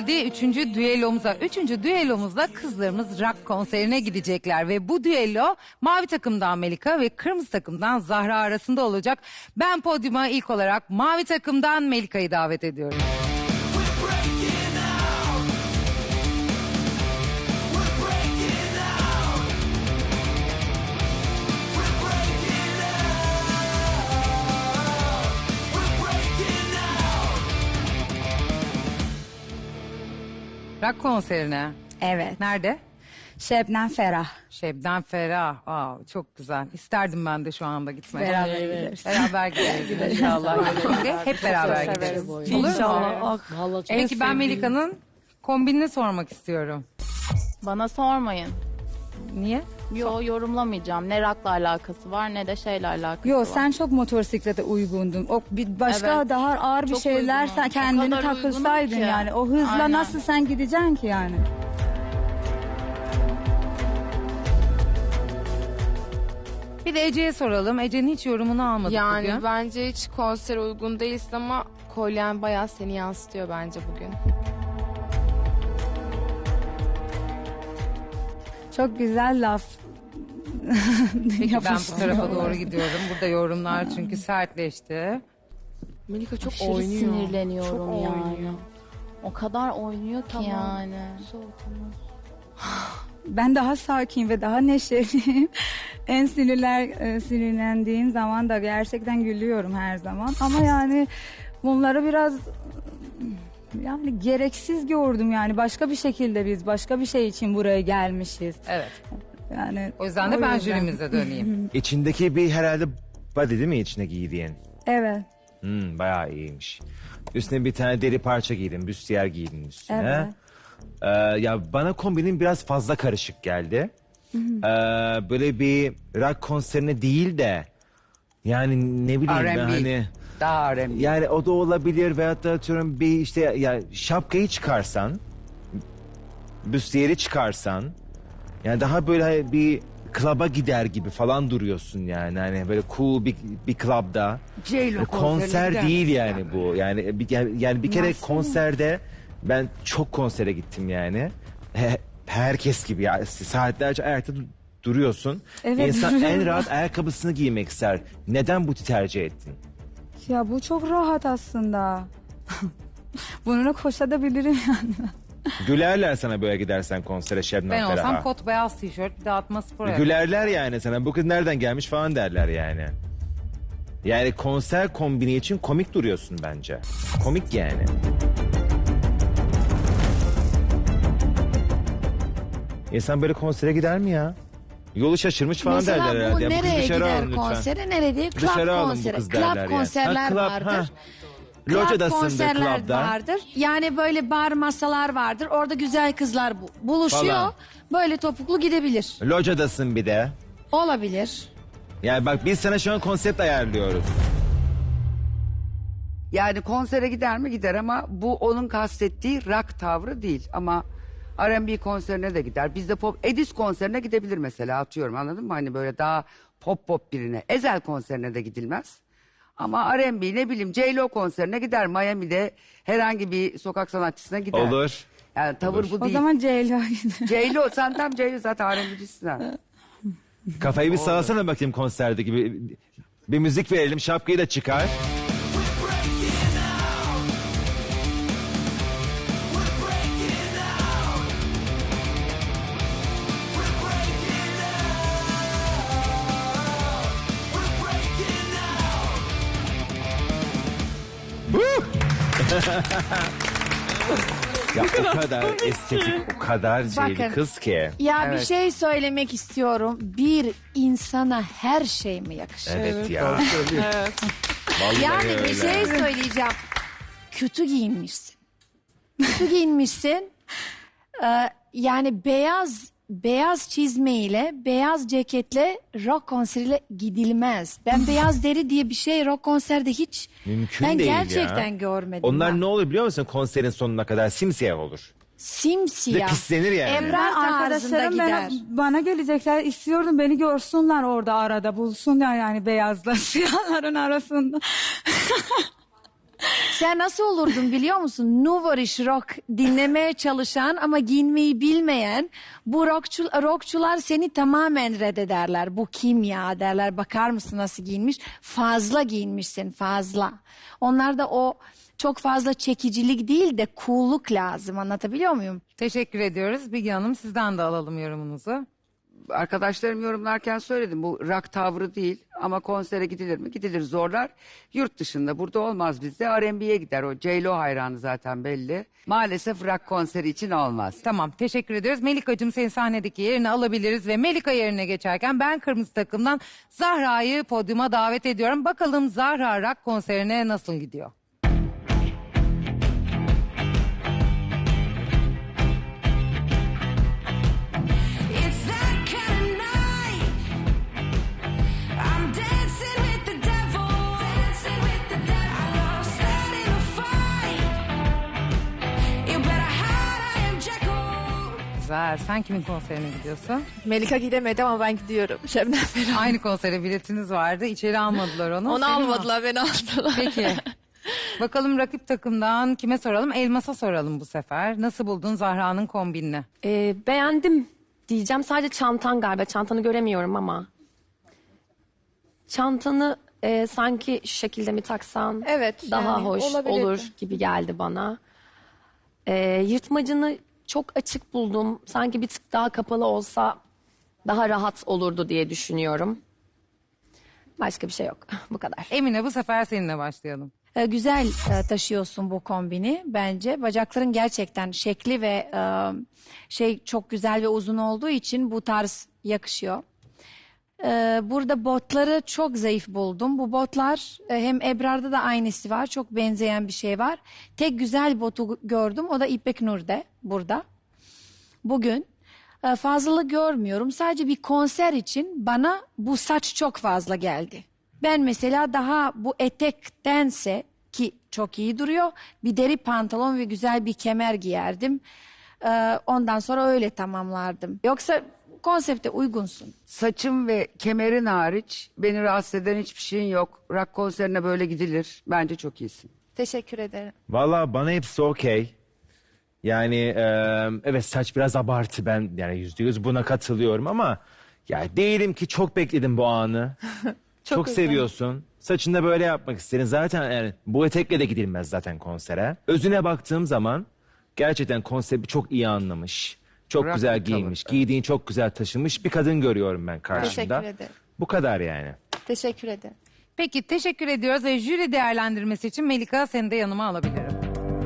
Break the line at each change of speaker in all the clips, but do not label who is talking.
Üçüncü düellomuzda kızlarımız rock konserine gidecekler ve bu düello mavi takımdan Melika ve kırmızı takımdan Zahra arasında olacak. Ben podyuma ilk olarak mavi takımdan Melika'yı davet ediyorum. Rock konserine.
Evet.
Nerede?
Şebnem Ferah.
Şebnem Ferah. Aa, çok güzel. İsterdim ben de şu anda gitmeyi.
Beraber gideriz.
Beraber gideriz inşallah. Hep beraber gideriz. Olur mu?
İnşallah.
Peki ben Melika'nın kombinini sormak istiyorum.
Bana sormayın.
Niye?
Yo, yorumlamayacağım. Ne rock'la alakası var ne de şeyle alakası
Yo
var.
sen çok motosiklete uygundun. O bir başka
Evet.
daha ağır bir
Çok
şeyler
uygunum.
sen
O
kendini
kadar
takılsaydın
uygunum ki.
yani. O hızla
Aynen.
nasıl sen gideceksin ki yani?
Bir de Ece'ye soralım. Ece'nin hiç yorumunu almadık
Yani
bugün.
bence hiç konser uygun değilsin ama kolyen bayağı seni yansıtıyor bence bugün.
Çok güzel laf.
Peki ben bu
Yapıştırıyorlar.
tarafa doğru gidiyorum. Burada yorumlar çünkü sertleşti.
Melika çok
Aşırı
oynuyor.
sinirleniyorum
Çok
yani.
oynuyor.
O kadar oynuyor ki yani.
Ben daha sakin ve daha neşeliyim. En sinirlendiğim zaman da gerçekten gülüyorum her zaman. Ama yani bunları biraz yani gereksiz gördüm yani. Başka bir şekilde biz başka bir şey için buraya gelmişiz.
Evet.
Yani
O yüzden de ben
yüzden.
jürimize döneyim.
İçindeki bir herhalde body değil mi içine giydiğin?
Evet.
Bayağı iyiymiş. Üstüne bir tane deri parça giydin, büstiyer giydin üstüne.
Evet.
Ya bana kombinin biraz fazla karışık geldi. Böyle bir rock konserine değil de yani ne bileyim ben
R&B.
hani
Daha R&B.
yani o da olabilir veyahut da atıyorum bir işte ya şapkayı çıkarsan, büstiyeri çıkarsan yani daha böyle bir klaba gider gibi falan duruyorsun yani hani böyle cool bir klapta.
J-Lo
Konser
konserine
değil
gider
yani
misin?
bu. Yani bir kere
Nasıl?
konserde ben çok konsere gittim yani. Herkes gibi ya saatlerce ayakta duruyorsun.
Evet,
İnsan en
duruyorum.
rahat ayakkabısını giymek ister. Neden buti tercih ettin?
Ya bu çok rahat aslında. Bununla koşabilirim yani.
Gülerler sana böyle gidersen konsere Şebnem
Ben olsam
Ferah'a.
kot beyaz tişört bir de atma spor ayakkabı.
Gülerler yani sana. Bu kız nereden gelmiş falan derler yani. Yani konser kombini için komik duruyorsun bence. Komik yani. İnsan böyle konsere gider mi ya? Yolu şaşırmış falan
Mesela
derler
bu
herhalde. Ya bu kızı
nereye
dışarı alın
gider
lütfen.
konsere? Nereye değil? Club
Dışarı alın bu
konseri.
kız derler
Club
yani.
konserler
Ha, club,
vardır.
ha.
Club
Locadasındır
konserler
club'da.
vardır. Yani böyle bar masalar vardır. Orada güzel kızlar buluşuyor.
Falan.
Böyle topuklu gidebilir.
Locadasın bir de.
Olabilir.
Yani bak biz sana şu an konsept ayarlıyoruz.
Yani konsere gider mi gider ama bu onun kastettiği rock tavrı değil. Ama R&B konserine de gider. Bizde pop, Edis konserine gidebilir mesela atıyorum anladın mı? Hani böyle daha pop birine. Ezel konserine de gidilmez. Ama R&B ne bileyim J-Lo konserine gider. Miami'de herhangi bir sokak sanatçısına gider.
Olur.
Yani tavır
Olur.
bu
O
değil.
zaman Ceyla.
J-Lo sen tam J-Lo zaten R&B'cisin ha.
Kafayı bir sallasana bakayım konserde gibi. Bir müzik verelim, şapkayı da çıkar. Ya o kadar estetik, o kadar şeyli
Bakın.
kız ki.
Ya
Evet.
bir şey söylemek istiyorum. Bir insana her şey mi yakışır?
Evet ya.
Evet.
Vallahi
Yani
öyle.
bir şey söyleyeceğim. Kötü giyinmişsin. Kötü giyinmişsin. Yani beyaz çizmeyle, beyaz ceketle rock konserine gidilmez. Ben beyaz deri diye bir şey rock konserde hiç
Mümkün
ben
değil
gerçekten
ya.
görmedim.
Onlar
ben.
ne olur biliyor musun? Konserin sonuna kadar simsiyah olur. Bir de
Simsiyah.
pislenir yani.
Ebrar
Ben
tarzında
arkadaşlarım
gider.
bana gelecekler istiyordum beni görsünler orada arada bulsunlar yani beyazla siyahların arasında.
Sen nasıl olurdun biliyor musun? Nuvarish rock dinlemeye çalışan ama giyinmeyi bilmeyen bu rockçular seni tamamen reddederler. Bu kim ya derler. Bakar mısın nasıl giyinmiş? Fazla giyinmişsin, fazla. Onlarda o çok fazla çekicilik değil de cool'luk lazım. Anlatabiliyor muyum?
Teşekkür ediyoruz. Bilge Hanım sizden de alalım yorumunuzu.
Arkadaşlarım yorumlarken söyledim, bu rock tavrı değil ama konsere gidilir mi? Gidilir, zorlar. Yurt dışında, burada olmaz, bizde R&B'ye gider. O J.Lo hayranı zaten belli. Maalesef rock konseri için olmaz.
Tamam, teşekkür ediyoruz. Melika'cığım senin sahnedeki yerini alabiliriz ve Melika yerine geçerken ben kırmızı takımdan Zahra'yı podyuma davet ediyorum. Bakalım Zahra rock konserine nasıl gidiyor?
It's that kind of night. I'm dancing with the devil. Dancing with the devil. I love starting a fight. You better hide, I am Jekyll.
Güzel. Sen kimin konserine gidiyorsun?
Melika gidemedi ama ben gidiyorum. Şebnem Ferah.
Aynı konsere biletiniz vardı. İçeri almadılar onu.
Onu
Seni mi
almadılar, beni aldılar.
Peki. Bakalım rakip takımdan kime soralım? Elmas'a soralım bu sefer. Nasıl buldun Zahra'nın kombinini?
Beğendim diyeceğim. Sadece çantan galiba. Çantanı göremiyorum ama. Çantanı sanki şu şekilde mi taksan
Evet,
daha
yani
hoş
olabilirdi.
olur gibi geldi bana. Yırtmacını çok açık buldum. Sanki bir tık daha kapalı olsa daha rahat olurdu diye düşünüyorum. Başka bir şey yok. Bu kadar.
Emine bu sefer seninle başlayalım.
Güzel taşıyorsun bu kombini bence. Bacakların gerçekten şekli ve çok güzel ve uzun olduğu için bu tarz yakışıyor. Burada botları çok zayıf buldum. Bu botlar hem Ebrar'da da aynısı var. Çok benzeyen bir şey var. Tek güzel botu gördüm. O da İpek Nur'de burada. Bugün fazlalık görmüyorum. Sadece bir konser için bana bu saç çok fazla geldi. Ben mesela daha bu etektense ki çok iyi duruyor. Bir deri pantolon ve güzel bir kemer giyerdim. Ondan sonra öyle tamamlardım. Yoksa konsepte uygunsun.
Saçım ve kemerin hariç beni rahatsız eden hiçbir şeyin yok. Rock konserine böyle gidilir. Bence çok iyisin.
Teşekkür ederim.
Valla bana hepsi okey. Yani evet saç biraz abartı, ben yani %100 buna katılıyorum ama ya diyelim ki çok bekledim bu anı. çok
güzel.
seviyorsun. Saçını da böyle yapmak istedin. Zaten yani bu etekle de gidilmez zaten konsere. Özüne baktığım zaman gerçekten konsepti çok iyi anlamış. Çok
Rock
güzel
bir
giyinmiş.
tavır.
Giydiğin çok güzel taşınmış bir kadın görüyorum ben karşımda.
Teşekkür ederim.
Bu kadar yani.
Teşekkür ederim.
Peki teşekkür ediyoruz ve jüri değerlendirmesi için Melika seni de yanıma alabilirim.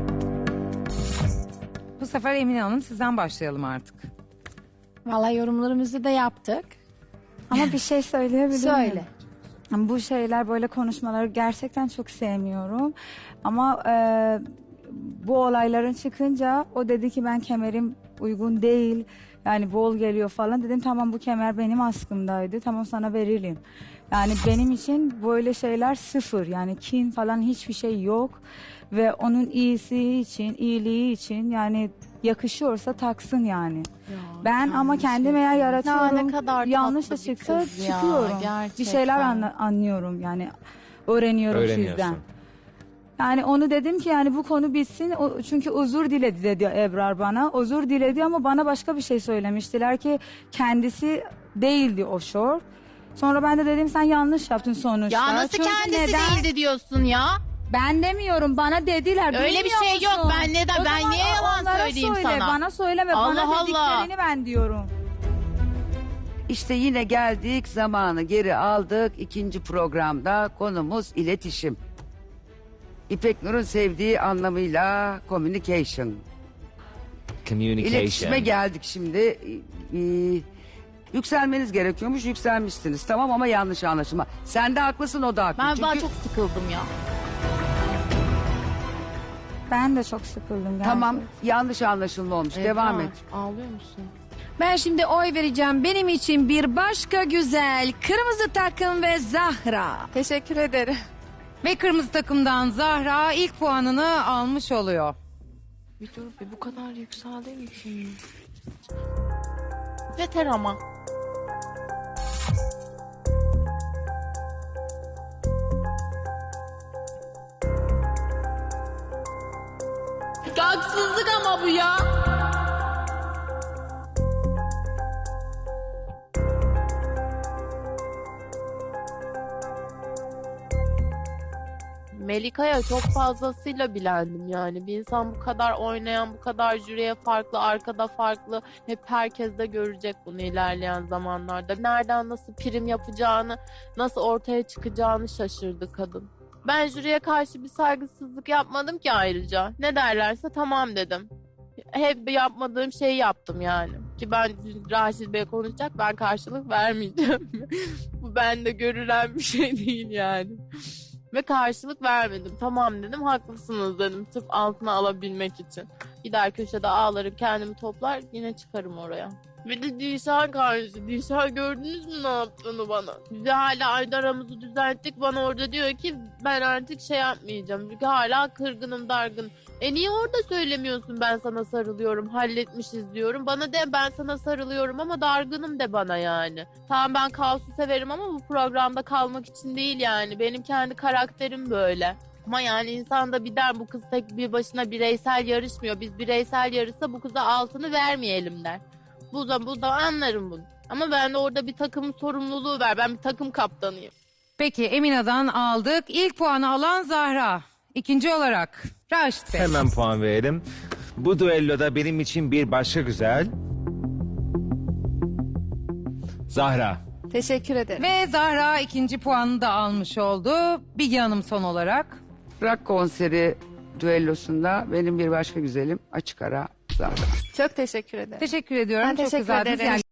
Bu sefer Emine Hanım sizden başlayalım artık.
Vallahi yorumlarımızı da yaptık.
Ama bir şey söyleyebilir miyim?
Söyle.
Bu şeyler, böyle konuşmaları gerçekten çok sevmiyorum. Ama bu olayların çıkınca o dedi ki ben kemerim uygun değil. Yani bol geliyor falan. Dedim tamam, bu kemer benim askımdaydı. Tamam, sana verelim. Yani benim için böyle şeyler sıfır. Yani kin falan hiçbir şey yok. Ve onun iyisi için, iyiliği için yani yakışıyorsa taksın yani. Ben ama kendime yer yaratıyorum.
Ya ne kadar
Yanlış da
tatlı bir
çıksa
kız ya,
çıkıyorum. Bir
gerçekten.
şeyler anlıyorum yani. Öğreniyorum
Öğreniyorsun.
sizden. Yani onu dedim ki yani bu konu bitsin. Çünkü özür diledi dedi Ebrar bana. Özür diledi ama bana başka bir şey söylemiştiler ki kendisi değildi o şort. Sonra ben de dedim sen yanlış yaptın sonuçta.
Ya nasıl
Çünkü
kendisi
neden?
değildi diyorsun ya?
Ben demiyorum, bana dediler.
Öyle bir
bilmiyor
şey yok.
musun?
Ben neden-
O
ben
zaman
niye yalan
onlara
söyleyeyim
söyle,
sana?
Bana söyleme,
Allah
bana
Allah.
dediklerini ben diyorum.
İşte yine geldik, zamanı geri aldık. İkinci programda konumuz iletişim. İpek Nur'un sevdiği anlamıyla communication.
Communication.
İletişime geldik şimdi. Yükselmeniz gerekiyormuş, yükselmişsiniz. Tamam ama yanlış anlaşılma. Sen de haklısın, o da haklı.
Ben
Çünkü
çok sıkıldım ya.
Ben de çok sıkıldım gerçekten.
tamam, yanlış anlaşılma olmuş. Devam
Ebrar,
et.
Ağlıyor musun?
Ben şimdi oy vereceğim. Benim için bir başka güzel kırmızı takım ve Zahra.
Teşekkür ederim.
Ve kırmızı takımdan Zahra ilk puanını almış oluyor.
Bir dur bir, bu kadar yükseldi mi şimdi?
Yeter ama. Haksızlık ama bu ya. Melika'ya çok fazlasıyla bilendim yani. Bir insan bu kadar oynayan, bu kadar jüriye farklı, arkada farklı. Hep herkes de görecek bunu ilerleyen zamanlarda. Nereden nasıl prim yapacağını, nasıl ortaya çıkacağını şaşırdı kadın. Ben jüriye karşı bir saygısızlık yapmadım ki ayrıca. Ne derlerse tamam dedim. Hep yapmadığım şeyi yaptım yani. Ki ben Raşit Bey konuşacak, ben karşılık vermeyeceğim. Bu bende görülen bir şey değil yani. Ve karşılık vermedim. Tamam dedim, haklısınız dedim. Sırf altına alabilmek için. Gider köşede ağlarım, kendimi toplar, yine çıkarım oraya. Ve de Dilşah karşı. Dilşah gördünüz mü ne yaptığını bana? Biz de hala aynı aramızı düzelttik. Bana orada diyor ki ben artık şey yapmayacağım. Çünkü hala kırgınım, dargın. Niye orada söylemiyorsun ben sana sarılıyorum, halletmişiz diyorum. Bana de ben sana sarılıyorum ama dargınım de bana yani. Tamam ben kaosu severim ama bu programda kalmak için değil yani. Benim kendi karakterim böyle. Ama yani insan da bir der bu kız tek bir başına bireysel yarışmıyor. Biz bireysel yarışsa bu kıza altını vermeyelim der. Bu da anlarım bunu. Ama ben de orada bir takım sorumluluğu ver. Ben bir takım kaptanıyım.
Peki Emina'dan aldık. İlk puanı alan Zahra. İkinci olarak Raşit Bey.
Hemen puan verelim. Bu düelloda benim için bir başka güzel. Zahra.
Teşekkür ederim.
Ve Zahra ikinci puanını da almış oldu. Bilge Hanım son olarak.
Rock konseri düellosunda benim bir başka güzelim açık ara Zahra.
Çok teşekkür ederim.
Teşekkür ediyorum.
Ben
Çok
teşekkür
güzeldiniz.
ederim.